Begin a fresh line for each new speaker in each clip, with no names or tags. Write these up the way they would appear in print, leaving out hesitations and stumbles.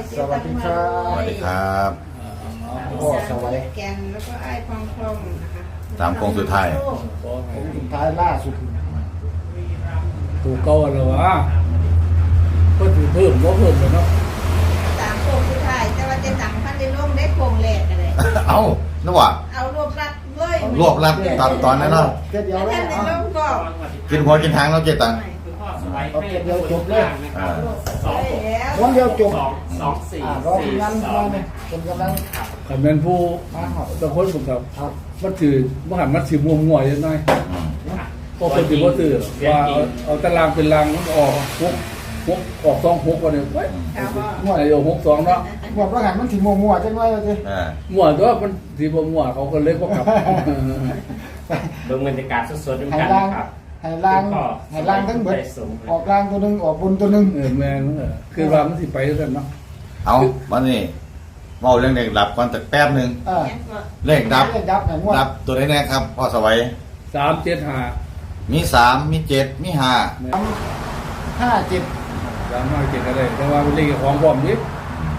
สวัสดีครับ
สวัสดีครับ
พ่อสวัสดี
แกนแล้วก็ไอ้พองพองนะคะ
ตามโค้งสุดท้าย
ผมสุดท้ายล่าสุด
ถูกเก่าแล้ววะก็ถือเพิ่มก็เพิ่มเลยเนาะ
ตามโค้งสุดท้ายแต่ว่าจะสั่งพันในร่มได้โค้งแรกอะไร
เอ้านึกว่า
เอารวบรัดเลย
รวบรัดตอนนั้นเนาะ
เจ็ดเดียว
แล้ว
เลย
ท่านใน
อ่ะ
ร่มก็
กินหัวกินทางแล้วเจ็ดตังค์
เอาเจ็ดเดียวจบเลย
อ่า
เลยแล้ว
วันเดียวจบ
สองสี่
รอทีมงานมาเนี่ยคนกำลัง
คำเป็นผู้
มาหอบ
ตะคนผมครับ
ครับ
มันถือมหันมันถือมัวมัวยังไง
อืม
พอคนถือว่าถือว่าเอาตารางเป็นรางมันออกหกออก2-6วันเนี่ยเว้ย
ครับพ่อ
มั่วไอ้6-2เนาะ
หมดว่าหันมันถึงมัวจังเลยเลย
อ่า
มั่วตัวมันถือว่ามั่วเขาก็เลยก็กลับ
เบิ่งบรรยากาศสดๆด้วย
ให้
กัน
ล่าง
ครับ
ให้ล่างให้ล่างทั้งเบิดออกล่างตัวหนึ่งออกบนตัวหนึ่ง
แม่นคือว่ามันสิไปด้วยกันเนาะ
เอาวันนี้เมาเรื่องเด็กดับก่อนแต่แป๊บหนึง
เออ
แกนก็
เลขดับ
เลขดับไหนงวด
ดับตัวไหนแน่ครับพ่อสวัย
3-7-5
มี3มี7มี5
57
3-5-7อะไรแต่ว่าเป็นเลขของพร้อมนิด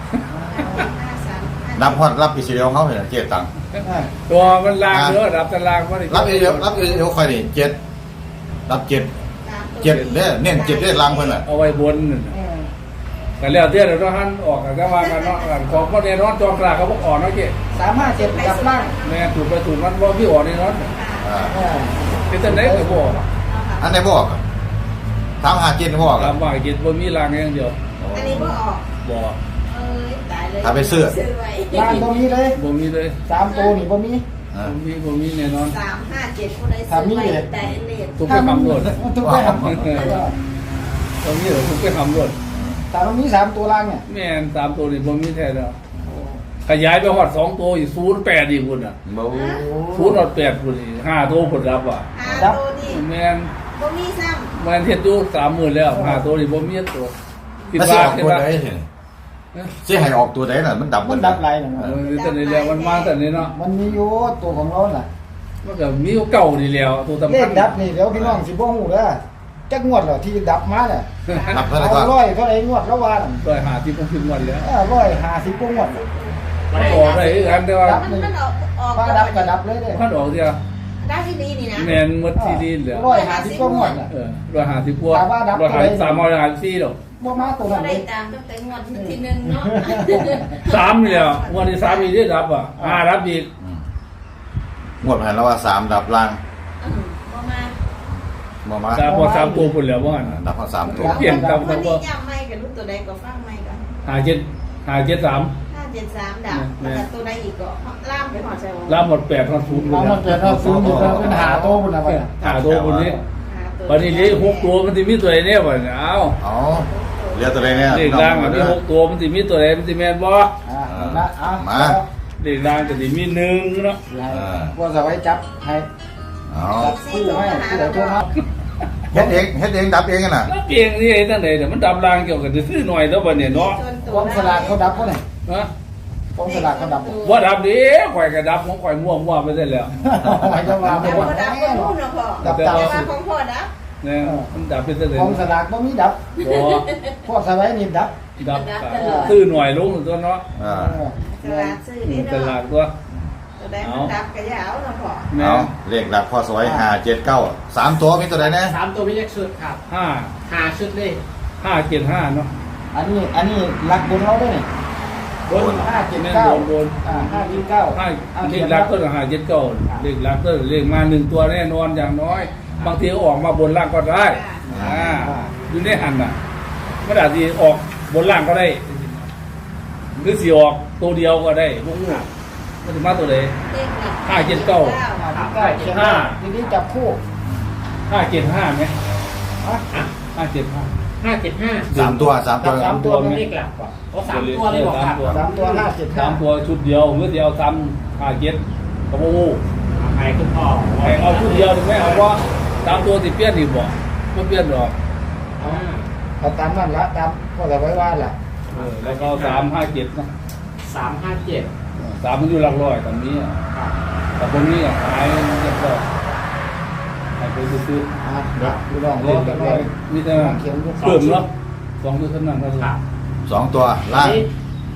53
นับฮอดรับอีสิเดียวเขาเห็นเจ็ดตังค์
ตัวมันลางเด้อรับตารางบ่ได้
รับอีเดียวค่อยนี่เจ็ดรับเจ็ดเจ็ดเด้อเน้นเจ็ดเด้อลังเพิ่นน่ะ
เอาไว้บนนั่นน่ะแต่แล้วเดี๋ยวเราหันออกกันก็ว่ากันเนาะของพ่อเนี่ยนอนจองกลางเขาบอกอ่อนเนาะเจ๊
357ดับล่าง
แม่ถูกไปถูกมันว่าพี่อ่อนนี่นอน
อ่า
เออ
เป็นจังได๋ก็บ่
อันไหนบอกถามหาเจ็ดบอก
ตามว่ากินบ่มีรางอย่างเดียว
อันนี้ก็ออก
บ่
เอ้ยตายเลย
ถ้าไปซื้อ
ซื้อไว้
ล่างบ่มีเลย
บ่มีเลย
3ตัวนี่บ่มี
อ่า
บ่มีแน่นอน
357คนใดซื้อไว้แต่เลข
ทุกไปทำรถ
ทุกไปทำ
บ่มีเหรอทุกไปทำรถ
แต่มันมี3ตัวล่างเนี่ย
แม่น3ตัวนี่บ่มีแท้แล้วขยายไปฮอด2ตัวอีก08อีกพุ่นน่ะ
บ่
08พุ่นอีก5ตัวพุ่นรับอ่ะ
หาตัวนี่
แม่น
บ่มีซ้
แม่นเฮ็ดอยู่30,000แล้ว5ตัวนี่บ่มีตัวคิด
ไม่ใช่
ว่า
ออก
คิด
ตัว
ว่า
ใดเห็นสิให้ออกตัวใดน่ะมันดับ
มันดับไหลนะ
เออแต่นี่แล้วมันมาแต่นี่เนาะ
มันมีอยู่ตัวของเราน่ะ
มันก็มีเก่านี่แล้วตัวสำ
เล
คั
ข
ญ
ดับนี่เดี๋ยวพี่น้องสิบ่ฮู้เด้อจักงวดเหรอที่ดับมาเนี่ย
ดับเท่าไหร่
เอา
ก็
ร้อยเท่าไหร่งวดแล้วว่าน่ะ
ร้อยหาที่ผมพิมพ์วันแล้ว
150กว่างวด
มันออกได้คือกันแต่ว่า
ำมันออก
ฟ้าดับก็ดับเลยเด้อ
มันออกเดียว
ได้ที่นี่นี่นะ
แมนหมดที่ดินเหลือ
150กว่างวดน่ะ
ร้อยหาที่พวกร้อยหา354ดอก
บ่มาตัว
ก็
นั้นเล
ได้
ย
ตามตั้งแต่งวดที่หนึ่งเนาะ
3นี่แล้วงวดที่3อีกได้รับอ่ะ5รับอีก
งวดผ่านแล้วว่า3ดับล่าง
ประมาณ
บ่มา
แต่พอ3ตัวพุ่นแล้วว่างั้น
ดับพอ3ตัว
เปลี่ยนตาม
วัน
คำว่า
นี้ย้ำไม่กับรู้ตัวใดก็ฟังไม่กัน
573
573ดับแล้วก็ตัวใดอีกก็ล่ามไปหอดใจวง
รับหมด8ทอน0
เอามันเกิดเอาซื้ออยู่แล้วเป็นหาโตพุ่นน่ะไปน่ะ
หาตัวพุ่นนี้วันนี้เลข6ตัวมันสิมีตัวไหนเนี่ยบ่เนี่ยเอา
อ๋อเหลือตัวใดเนี่ย
เลขล่างมันมี6ตัวมันสิมีตัวไหนมันสิแม่นบ่
นะเอา
มา
เลขล่างก็สิมี1เนาะ
ว่าจะไว้จับให้
เอา
จับคู่ให้ผู้ใดโทรมา
เฮ็ดเองดับเองกันน่ะ
แล้วเพียงนี่ไอ้ตั้งไหนเดี๋ยวมันดับรางเกี่ยวกับจะซื้อหน่อยแล้วบัดเนี่ยเนาะ
กองสลากเขาดับบ่เนี่ย
ฮะ
กองสลากเขาดับบ่
ว่าดับดิข่อยก็ดับของข่อยมั่วๆไปได้แล้ว
หมายจะว่า
แต่
บ่
พอดับก็รู้นะพ่อ
ดับ
แต่
ตาม
ว่า
สิ
ของพ่อดับ
เนี่ยมันดับไปได้เลย
กองสลากบ่มีดับ
บ่
พวกสบายนี่ดับ
ดับซื้อหน่อยลงตัวเนาะ
อ่า
สลากซื้อนี่
ต
เนาะ
ลาดตัว
ตัวใดมันดับก็อย่าเอานะพ่อ
แม่
เอาเลขดับพอสวย579 3ตัวมีตัวใดแน่
สามตัวไม่แยกชุดครับ
5
หาชุดเลย
575เนาะ
อันนี้หลักบนเราด้วยนี่บน
แม่น
579
โดน
579
5เลขหลักก็579เลขหลักก็เลขมา1ตัวแน่นอนอย่างน้อย บางทีออกมาบนล่างก็ได้อยู่ในหันน่ะไม่ได้สิออกบนล่างก็ได้หรือสิออกตัวเดียวก็ได้พวกนี้มันจะมาตัวไหน
เลขหลัก
579ทีนี้จับคู่
575ไหม
ฮะ
575
575
3ตัว3ตัว
สามตัว
เลขหลักกว่าโอ้สามตัวเลยบอกครับ
3ตัว
สามตัวชุดเดียวเมื่อเดียวซ้ำ57กับโอ้โห
ใครคุณพ่อ
เอาชุดเดียวถึงไม่เอาว่า3ตัวสิเปลี่ยนอีกบ่ไม่เปลี่ยนหรอก
เอาตามนั่นละตามก็จะไว้ว่าล่ะ
แล้วก็357นะ
357
3มันอยู่หลักร้อยตอนนี้แต่ตรงนี้หายเรียบร้อยหายไปซื้อ
เดี๋ยวดูลอง
ๆ
เล่นกันเลย
มีแต่
เขียน
เพิ่มแล้ว2ตัวเท่านั้นก็
ครับ
2ตัวล่าง
นี่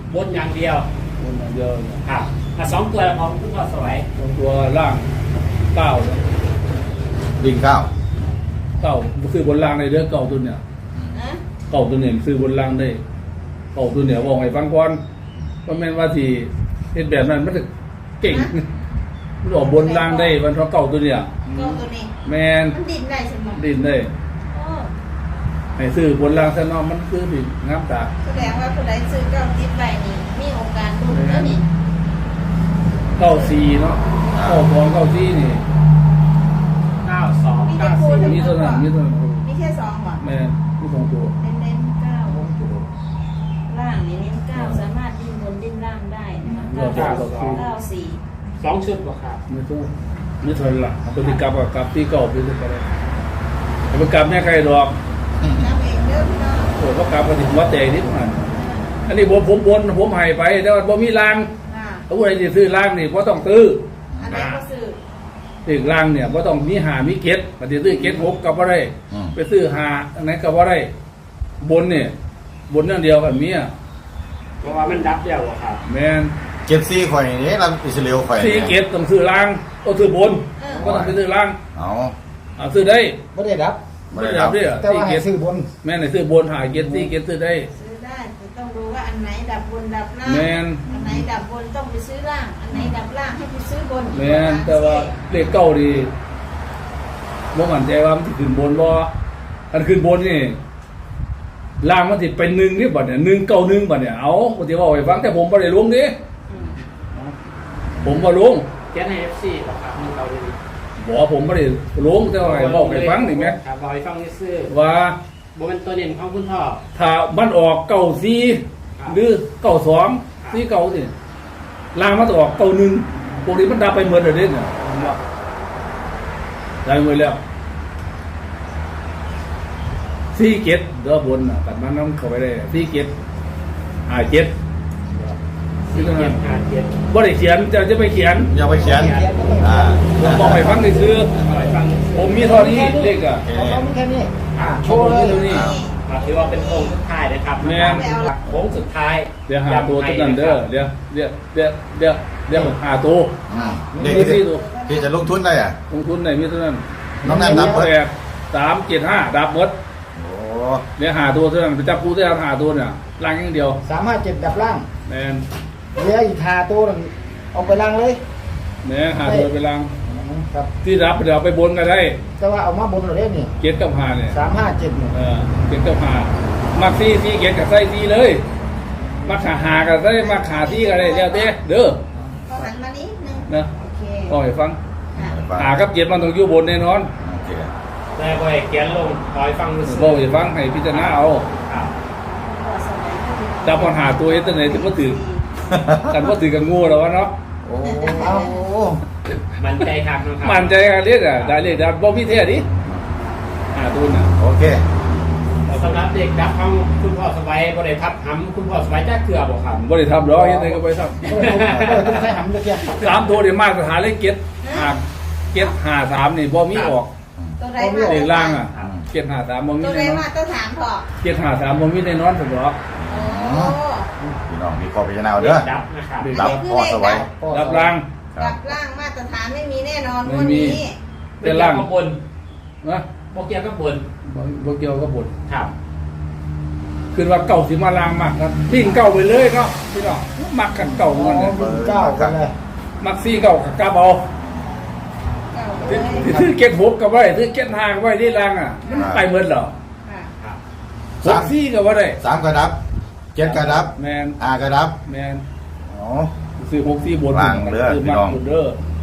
บนอย่างเดียว
บนอย่างเดียวเนี่ย
ครับสองตัวของคุณพ่อสวัย
บางตัวล่างเก้าเนี่ย
วิ่งเก้า
เก้าซื้อบนล่างในเรื่องเก่าตัวเนี่ย
นะ
เก่าตัวเนี่ยซื้อบนล่างได้เก่าตัวเนี่ยบอกให้ฟังก่อนว่าแม่นว่าที่เฮ็ดแบบนั้นมันจะเก่งมันออกบนล่างได้วันเพราะเก่าตัวเนี่ย
ก็ตัวนี้
แมน
มันดินได้ใช่ไหม
ดินได้
โอ้
ให้ซื้อบนล่างซะเนาะมันคือผิดงามตา
แสดงว่าผู้ใดซื้อเก้าติดไปนี่มีโอกาสลุ้นแล้วนี่
เก้าซีเนาะเก้าสองเก้าซีนี่
92 94
มีเท่านั้นมีเท่านั้น
มีแค่สองหรอ
แม่นมีสองตัว
เน้นๆเก้าล่างนี่เน้นเก้าสามารถดิ้นบนดิ้นล่างได้นะคะเก้าสี่
2ชุดบ่ครับ
มีตัวมีเท่านั้นล่ะเอาไปกลับกับกลับที่เก่าไปเลยก็ได้เอาไปกลับแม่ใครดอก
น้ำเองเด้อพี่น้อง
โอ้ก็กลับมาถึงวัดแต่นิดหน่อยอันนี้ผมบนผมให้ไปแต่ว่าบ่มีราง
อ่า
ถ้าผู้ใดจะซื้อรางนี่บ่ต้องซื้อ
อันนี้ก็ซื้อ
ซื้อรางเนี่ยบ่ต้องมีหามีเก็ดปฏิซื้อเก็ดหกก็บ่ได้ ไปซื้อหาอันไหนก็บ่ได้บนเนี่ยบนอย่างเดียวกับเมีย
เพราะว่ามันดับเดียวบ่ครับ
แม่น
เจ็ดซี่ข่อยนี่เราอิสราเอลข่อย
ซื้อเก็ดต้องซื้อรางก็ซื้อบนก็ต้องไปซื้อราง
เอา
เอาซื้อได้
ไม่ได้รับ
ไม่ได้รับ
ซื้อได้
แต่ว่าให้ซื้อบน
แม่นให้ซื้อบนหาเก็ดซี่เก็ดซื้อได้
ซื้อได้แต่ต้องดูว่าอันไหนดับบนดับล่าง
แม่น
อันไหนดับบนต้องไปซื้อล่าง อันไหนดับล่างให้ไปซื้อบน
แม่นแต่ว่าเลขเก้าดีบ่มั่นใจว่ามันสิขึ้นบนบ่อันขึ้นบนนี่ล่างมันสิเป็น1นี่บัดเนี่ย191บัดเนี่ยเอาบ่สิเว้าให้ฟังแต่ผมบ่ได้ลงนี่
อืม
ผมบ่ลง
เขียนให้ FC บ่ครับมีเราดี
บอกผมไม่ได้ลงแต่ว่าให้บอกให้ฟังนี่แหม
ครับบอกให้ฟังซื่อ
ว่า
ๆบ่เป็นตัวเด่นของคุณพ่อ
ถ้ามันออกเก่าซีหรือเก่าสองซีเก่าสิลางมันจะออกเก่าหนึ่งพวกนี้มันดับไปหมดเลยเนี่ยได้หมดแล้วซีเก็ตเด้อบนน่ะตัดมันน้ำเข้าไปได้ซีเก็ตเจ็ดที่ตรงนั้น
47
บ่ได้เขียนจะไปเขียน
อย่าไปเขียนอ่า
ผมบอกให้ฟังนี่คือ
บอกให้ฟังซื่อ
ผมมีเท่านี้เลขอ่ะ
ของเขามีแค่นี้โช
โช
ว์
ว์
เล
เลย ยนี่
ๆถือว่าเป็นโค้งสุดท้ายนะครับ
แม่น
โค้งสุดท้าย
เดี๋ยวหาตัวตัวนั้นเด้อเดี๋ยวหาตัว
เด็ก
มี
ที่
ที่ตัว
ที่จะลงทุนได้อ่ะ
ลงทุนไหนมีเท่านั้น
น้องแนนนับเบิด
375ดับหมด
โอ้
เดี๋ยวหาตัวเท่านั้นไปจับกูได้หาตัวเนี่ยล่างอย่างเดียว
357ดับล่าง
แมน
เหลืออีก5ตัวนึงเอาไปล่างเลย
แมนหาตัวไปล่าง
ครับ
ที่รับเดี๋ยวไปบนกันได้
แต่ว่าเอามาบนเลยนี่
เก็ตกับหาเนี่ย
357นี่
เก็ตกับหามักซี่เก็ตกับไส้ซี่เลยมักหากับไส้มักหาซี่กันเลยแล้วเด้อ
ก็หันมานิดนึง
นะ
โอเค
ก็ให้ฟัง
ค่ะ
หากับเก็ตมันต้องอยู่บนแน่นอน
โอเค
ได้บ่ให้เขียนลงขอให้ฟังซื่อ
บอกให้ฟังให้พิจารณาเอา
ครับ
จับปัญหาตัวเองตัวไหนถึงก็ถือกันว่าถือกันงูแล้ววะเนาะ
โอ้
เอา
มันใจครับนะครับ
มันใจกันเรียกอ่ะได้เรียกดับบ่มีเท่ดิหาตัวน่ะ
โอเค
สำหรับเด็กดับของคุณพ่อสบายบ่ได้ทับหำคุณพ่อสบายจ้าเกลือบ่ครับ
บ่ได้ทำหรอกเฮ็ดได้ก็ไปท
ต้องใช้หำตะเกียบ
ำ3ตัวนี่มากสถานเลขเก็ต53นี่บ่มีออก
ตัวใด
เล
มา
ขล่างอ่ะ753บ่มี
ตัวใด
แน่นอ
มาน ต้องถามพอ
753บ่มีแน่นอนสำหรับ
โอ้
พี่น้องมีข้อพิจารณาเอาเด้อ
ดับนะครับ
รับพ่อสวัย
รับล่าง
ครั
ดั
บบ
ล่างมาตรฐานไม่มีแน่นอน
ไม่
วัน
มี
นี้
เป็นล่าง
ข้างบน
นะ
โปเกียวข้างบน
บ่เกี่ยวกับบท
ครับ
คือว่าเก่าสิมาล่างมากครับทิ้งเก่าไปเลยเนาะพี่น้องมักกันเก่ามันเนี่ย
เก้ากันเลย
มักซี่เก่ากับกลับเอา
เก้าเล
ถือย ถือเก็ต6กับไว้ถือเก็ต5กับไว้ที่ล่างอ่ะมันไปหมดเหรอ
ค่ะ
ครับ
6ซี่ก็บ่ได้
3กระดับ7กระดับ
แมน
5กระดับ
แมน
อ๋อ
ซื้อ6ซี่บน
ล่างเด้อ
ซื้อ
พี่
มา
น้อง
บนเด้อ